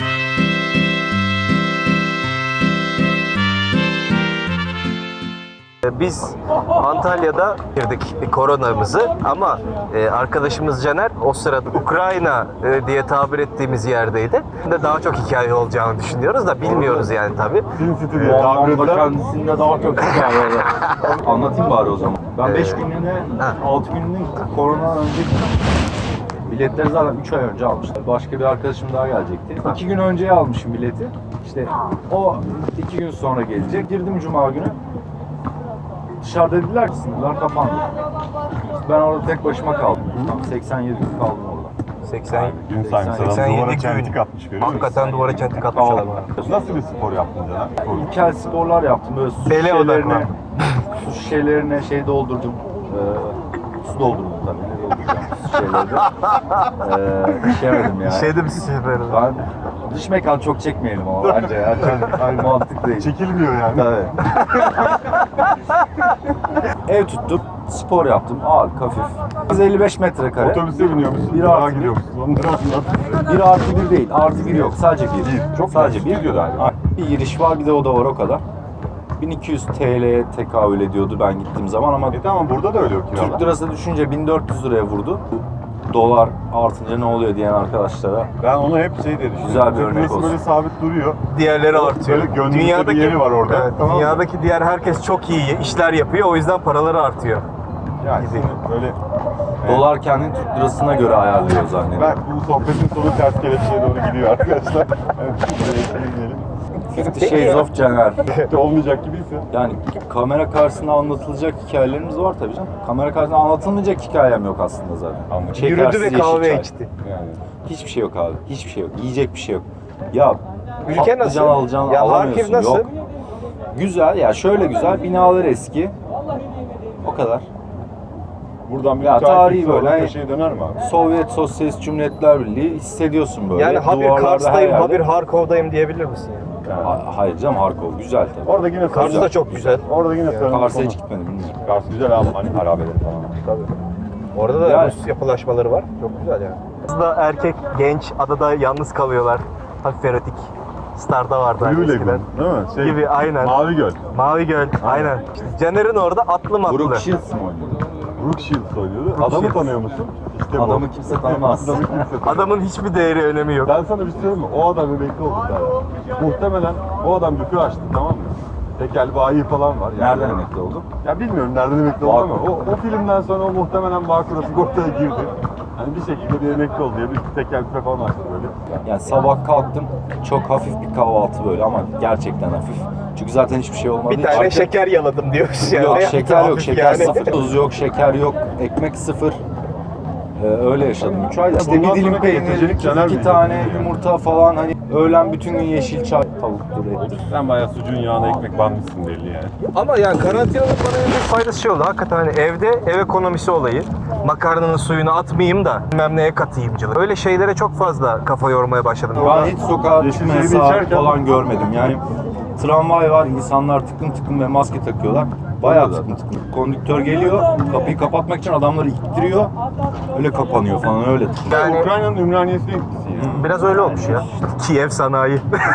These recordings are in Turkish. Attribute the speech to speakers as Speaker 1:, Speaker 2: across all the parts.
Speaker 1: Biz Antalya'da girdik koronamızı ama arkadaşımız Caner o sırada Ukrayna diye tabir ettiğimiz yerdeydi. Daha çok hikaye olacağını düşünüyoruz da bilmiyoruz yani tabii.
Speaker 2: Bu anlamda kendisinde daha çok hikaye var. Anlatayım bari o zaman. Ben 5 günlüğüne, 6 günlüğüne korona önce biletleri zaten 3 ay önce almıştım. Başka bir arkadaşım daha gelecekti. 2 gün önceye almışım bileti. İşte o 2 gün sonra gelecek. Girdim Cuma günü. Dışarıda dediler ki sınırlar kapandı. Ben orada tek başıma kaldım. Tam 87 gün kaldım orada.
Speaker 1: 80
Speaker 3: Gün saymış adam
Speaker 1: 87
Speaker 3: duvara
Speaker 1: gün.
Speaker 3: çentik atmış, görüyor musun?
Speaker 1: Hakikaten duvara çentik atmış adam.
Speaker 3: Nasıl bir spor yaptın Caner?
Speaker 2: İlkel sporlar yaptım. Böyle su
Speaker 1: Bele
Speaker 2: şişelerine, su şişelerine şey doldurdum. Su doldurdum tabii. Ne dolduracağım su şişelerine. İçemedim yani.
Speaker 1: Şeyde bir şey böyle.
Speaker 2: Ben dış mekan çok çekmeyelim ama bence ya. Çok mantık değil.
Speaker 3: Çekilmiyor yani.
Speaker 2: Tabii. Ev tuttum, spor yaptım, ağır, hafif. 155 metrekare.
Speaker 3: Otobüse biniyor musun?
Speaker 2: Bir
Speaker 3: Dağa
Speaker 2: artı
Speaker 3: gidiyor musun? Onları anlat.
Speaker 2: 1 artı 1 değil, artı 1 yok. Sadece 1.
Speaker 3: Çok
Speaker 2: sadece
Speaker 3: bir diyor galiba.
Speaker 2: Bir giriş var, bir de oda var o kadar. 1200 TL'ye tekabül ediyordu ben gittiğim zaman ama
Speaker 3: Tamam, burada da öyle yok kiralar.
Speaker 2: Türk lirası düşünce 1400 liraya vurdu. Dolar artınca ne oluyor diyen arkadaşlara.
Speaker 3: Ben onu hep şey diye düşünüyorum.
Speaker 2: Güzel bir
Speaker 3: Türk
Speaker 2: örnek
Speaker 3: lirası
Speaker 2: olsun.
Speaker 3: böyle sabit duruyor.
Speaker 1: Diğerleri artıyor.
Speaker 3: Böyle gönlümüzde bir yeri var orada.
Speaker 1: Evet,
Speaker 3: Tamam mı?
Speaker 1: dünyadaki diğer herkes çok iyi işler yapıyor o yüzden paraları artıyor.
Speaker 3: Yani böyle
Speaker 2: Dolar kendini Türk lirasına göre ayarlıyor zannediyorum.
Speaker 3: ben bu sohbetin sonu ters kelepçeye doğru gidiyor arkadaşlar. Evet, buraya girmeyelim.
Speaker 2: 50 Shades of Caner.
Speaker 3: Olmayacak gibiyse.
Speaker 2: Yani kamera karşısında anlatılacak hikayelerimiz var tabii canım. Kamera karşısında anlatılmayacak hikayem yok aslında zaten.
Speaker 3: Anladım.
Speaker 2: Şekersiz
Speaker 1: Yürüdü ve
Speaker 2: yeşil
Speaker 1: kahve
Speaker 2: çay.
Speaker 1: içti.
Speaker 3: Yani.
Speaker 2: Hiçbir şey yok abi. Hiçbir şey yok. Yiyecek bir şey yok. Ya
Speaker 1: Ülke
Speaker 2: patlıcan
Speaker 1: nasıl?
Speaker 2: alacaksın,
Speaker 1: Ya
Speaker 2: alamıyorsun.
Speaker 1: Harkiv nasıl?
Speaker 2: Yok. Güzel ya, şöyle güzel. Binalar eski. O kadar.
Speaker 3: Buradan bir
Speaker 2: Ya tarihi böyle, hani-
Speaker 3: köşeye döner mi abi?
Speaker 2: Sovyet Sosyalist Cumhuriyetler Birliği hissediyorsun böyle.
Speaker 1: Yani ha bir
Speaker 2: Duvarlarda her
Speaker 1: Kars'tayım, ha
Speaker 2: yerde.
Speaker 1: bir Harkov'dayım diyebilir misin? Yani?
Speaker 2: Hayır canım, Harkov güzel tabii.
Speaker 3: Orada yine
Speaker 1: Kars da çok güzel.
Speaker 3: Orada yine sarılmış
Speaker 2: Kars'a
Speaker 3: konu.
Speaker 2: hiç gitmedim bilmiyorum.
Speaker 3: Kars güzel abi, hani harabeleri falan.
Speaker 1: Tabii. Orada da
Speaker 2: Yani-
Speaker 1: Rus yapılaşmaları var. Çok güzel yani. Aslında erkek, genç, adada yalnız kalıyorlar. Hafif erotik. Star'da vardı hani
Speaker 3: Blue
Speaker 1: eskiden.
Speaker 3: Lagoon değil mi? Şey,
Speaker 1: Gibi, aynen.
Speaker 3: Mavi Göl.
Speaker 1: Mavi Göl, aynen. İşte Caner'in orada atlı matlı.
Speaker 2: Brooke Shields mi oynuyordu?
Speaker 3: Brooke Shields oynuyordu.
Speaker 1: Brooke
Speaker 3: Adamı
Speaker 1: Shields.
Speaker 3: tanıyor musun? İşte bu.
Speaker 2: Adamı kimse tanımaz.
Speaker 3: Adamı kimse tanımaz.
Speaker 1: Adamın hiçbir değeri, önemi yok.
Speaker 3: Ben sana bir şey söyleyeyim mi? O adam emekli oldu zaten. Muhtemelen o adam büfü açtı, tamam mı? Tekel bayi falan var.
Speaker 2: Nereden emekli oldu?
Speaker 3: Ya bilmiyorum nereden emekli oldu ama
Speaker 2: Bağkur.
Speaker 3: o filmden sonra o muhtemelen Bağkur'a sigortaya girdi. Hani bir şekilde bir emekli oldu ya, bir tekel büfe falan açtı böyle.
Speaker 2: Yani sabah kalktım, çok hafif bir kahvaltı böyle ama gerçekten hafif. Çünkü zaten hiçbir şey olmadı.
Speaker 1: Bir tane şeker yaladım diyoruz yani.
Speaker 2: Yok, şeker yok,
Speaker 1: Hafif
Speaker 2: şeker
Speaker 1: yani.
Speaker 2: sıfır. Tuz yok, şeker yok, ekmek sıfır. Öyle yaşadım 3 ayda. İşte
Speaker 3: Bundan
Speaker 2: bir dilim
Speaker 3: sonraki
Speaker 2: peynir,
Speaker 3: getirecek Caner
Speaker 2: 2
Speaker 3: Bey.
Speaker 2: tane yumurta falan, hani öğlen bütün gün yeşil çay, tavuktur, ettir.
Speaker 3: Sen bayağı sucuğun yağına ekmek banmışsın belli yani.
Speaker 1: Ama yani karantinanın bana en büyük faydası şey oldu. Hakikaten hani evde ev ekonomisi olayı. Makarnanın suyunu atmayayım da bilmem neye katayımcılık. Öyle şeylere çok fazla kafa yormaya başladım.
Speaker 2: Ben hiç sokağa
Speaker 3: Yeşil
Speaker 2: çıkma
Speaker 3: şeyi
Speaker 2: yasağı
Speaker 3: içerken-
Speaker 2: falan görmedim. Yani tramvay var, insanlar tıkım tıkım ve maske takıyorlar. Bayağı tıkım tıkım. Kondüktör geliyor, kapıyı kapatmak için adamları ittiriyor. Öyle kapanıyor falan, öyle tıkım.
Speaker 1: Yani-
Speaker 3: Ukrayna'nın Ümraniyesi etkisi yani.
Speaker 1: Biraz öyle olmuş ya. Kiev sanayi.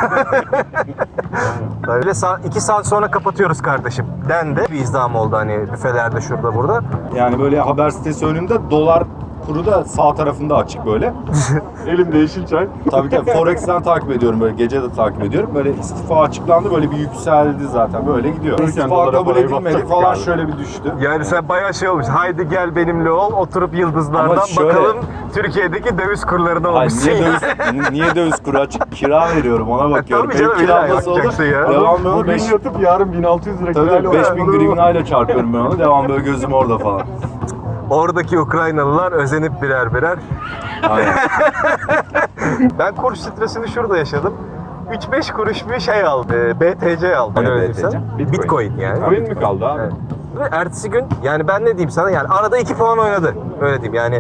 Speaker 1: Öyle 2 saat sonra kapatıyoruz kardeşim. Dendi. Bir izdiham oldu hani büfelerde şurada burada.
Speaker 2: Yani böyle haber sitesi önünde dolar kuru da sağ tarafında açık böyle.
Speaker 3: Elimde yeşil çay.
Speaker 2: Tabii ki Forex'ten takip ediyorum, böyle gece de takip ediyorum. Böyle istifa açıklandı, böyle bir yükseldi zaten, böyle gidiyor. İstifa
Speaker 3: dolara
Speaker 2: kabul
Speaker 3: parayı
Speaker 2: edilmedi
Speaker 3: basacaktık
Speaker 2: falan,
Speaker 3: abi.
Speaker 2: şöyle bir düştü.
Speaker 1: Yani sen bayağı şey olmuş. Haydi gel benimle ol. Oturup yıldızlardan
Speaker 2: Ama şöyle-
Speaker 1: bakalım Türkiye'deki döviz kurlarına
Speaker 2: Hayır,
Speaker 1: olmuşsun.
Speaker 2: niye döviz kuru açık? Kira veriyorum, ona bakıyorum.
Speaker 1: tabii canım,
Speaker 2: Benim kiram
Speaker 1: illa
Speaker 2: nasıl olur?
Speaker 1: bakacaksın ya.
Speaker 2: Devam böyle
Speaker 3: Bugün
Speaker 2: 5
Speaker 3: yatıp yarın 1600 lira
Speaker 2: tabii
Speaker 3: kirayla
Speaker 2: 5000
Speaker 3: olur.
Speaker 2: grivnayla çarpıyorum ben onu. Devam böyle gözüm orada falan.
Speaker 1: Oradaki Ukraynalılar özenip birer birer.
Speaker 2: Aynen.
Speaker 1: Ben kur stresini şurada yaşadım. 3-5 kuruş bir şey aldım. BTC aldım.
Speaker 2: Ne
Speaker 1: Öyle diyeyim
Speaker 2: BTC?
Speaker 1: sana. Bitcoin yani.
Speaker 3: Coin mi kaldı abi?
Speaker 1: Evet. Ve ertesi gün yani ben ne diyeyim sana yani arada 2 puan oynadı. Öyle diyeyim yani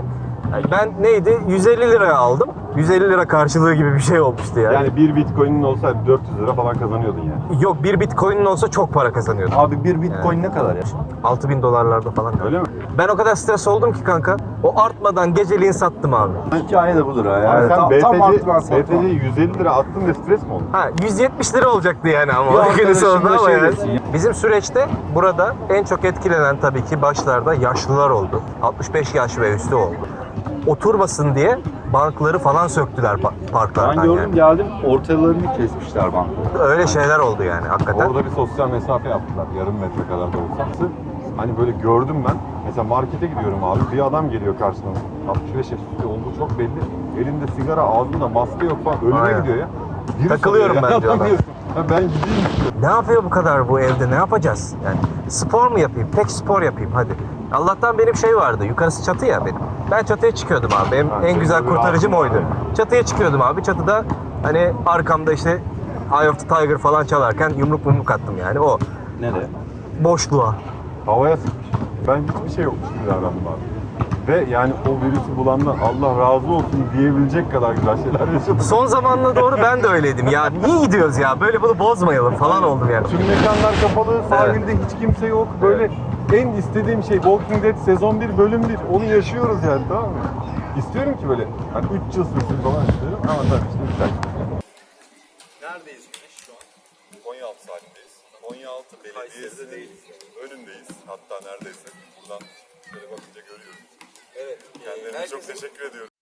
Speaker 1: Ben neydi? 150 liraya aldım. 150 lira karşılığı gibi bir şey olmuştu yani.
Speaker 3: Yani bir bitcoin'in olsa 400 lira falan kazanıyordun yani.
Speaker 1: Yok, bir bitcoin'in olsa çok para kazanıyordum.
Speaker 2: Abi bir bitcoin ne kadar ya?
Speaker 1: 6000 dolarlarda falan.
Speaker 3: Öyle mi?
Speaker 1: Ben o kadar stres oldum ki kanka. O artmadan geceliğin sattım abi.
Speaker 2: Hikaye de budur ha.
Speaker 3: Abi
Speaker 2: Yani
Speaker 3: sen
Speaker 2: tam arttıran
Speaker 3: BTC,
Speaker 2: satma.
Speaker 3: 150 lira attın ve stres mi oldun?
Speaker 1: Ha, 170 lira olacaktı yani ama
Speaker 2: Bir
Speaker 1: o günün
Speaker 2: arkadaşım
Speaker 1: sonunda
Speaker 2: da
Speaker 1: ama
Speaker 2: şey
Speaker 1: yani.
Speaker 2: desin ya.
Speaker 1: Bizim süreçte burada en çok etkilenen tabii ki başlarda yaşlılar oldu. 65 yaş ve üstü oldu. Oturmasın diye bankları falan söktüler parklardan
Speaker 2: Ben gördüm
Speaker 1: yani.
Speaker 2: geldim ortalarını kesmişler banka.
Speaker 1: Öyle şeyler oldu yani hakikaten.
Speaker 3: Orada bir sosyal mesafe yaptılar. Yarım metre kadar da olsa. Hani böyle gördüm ben. Mesela markete gidiyorum abi. Bir adam geliyor karşıdan. 65 yaş üstü olduğu çok belli. Elinde sigara, ağzında maske yok falan. Ölüme
Speaker 1: Aynen.
Speaker 3: gidiyor ya. Virüs
Speaker 1: Takılıyorum
Speaker 3: oluyor ya.
Speaker 1: ben diyorlar.
Speaker 3: Yapamıyorsun. Ha, ben gideyim istiyorum.
Speaker 1: Ne yapıyor bu kadar bu evde? Ne yapacağız? Yani spor mu yapayım? Tek spor yapayım hadi. Allah'tan benim şey vardı. Yukarısı çatı ya benim. Ben çatıya çıkıyordum abi. Benim
Speaker 3: Ha,
Speaker 1: en güzel
Speaker 3: çatıda
Speaker 1: kurtarıcım
Speaker 3: rahatsın
Speaker 1: oydu.
Speaker 3: yani.
Speaker 1: Çatıya çıkıyordum abi. Çatıda hani arkamda işte Eye of the Tiger falan çalarken yumruk attım yani. O
Speaker 2: Nereye?
Speaker 1: boşluğa.
Speaker 3: Havaya sıkmış. Ben hiçbir şey yokmuş gibi davrandım abi. Ve yani o virüsü bulandan Allah razı olsun diyebilecek kadar güzel şeyler yaşadım.
Speaker 1: Son zamanla doğru ben de öyleydim. Ya niye gidiyoruz ya? Böyle bunu bozmayalım falan oldum yani.
Speaker 3: Tüm mekanlar kapalı, sahilde hiç kimse yok. Böyle en istediğim şey Walking Dead sezon 1 bölüm 1. Onu yaşıyoruz yani, tamam mı? İstiyorum ki böyle hani 3 yıl sürsün falan istiyorum ama tabii işte biter. Neredeyiz Güneş şu an? Konyaaltı saatteyiz. Konyaaltı Belediyesi'nin önündeyiz hatta neredeyse. Buradan şöyle bakınca görüyoruz. Evet. Kendilerine çok teşekkür ediyoruz.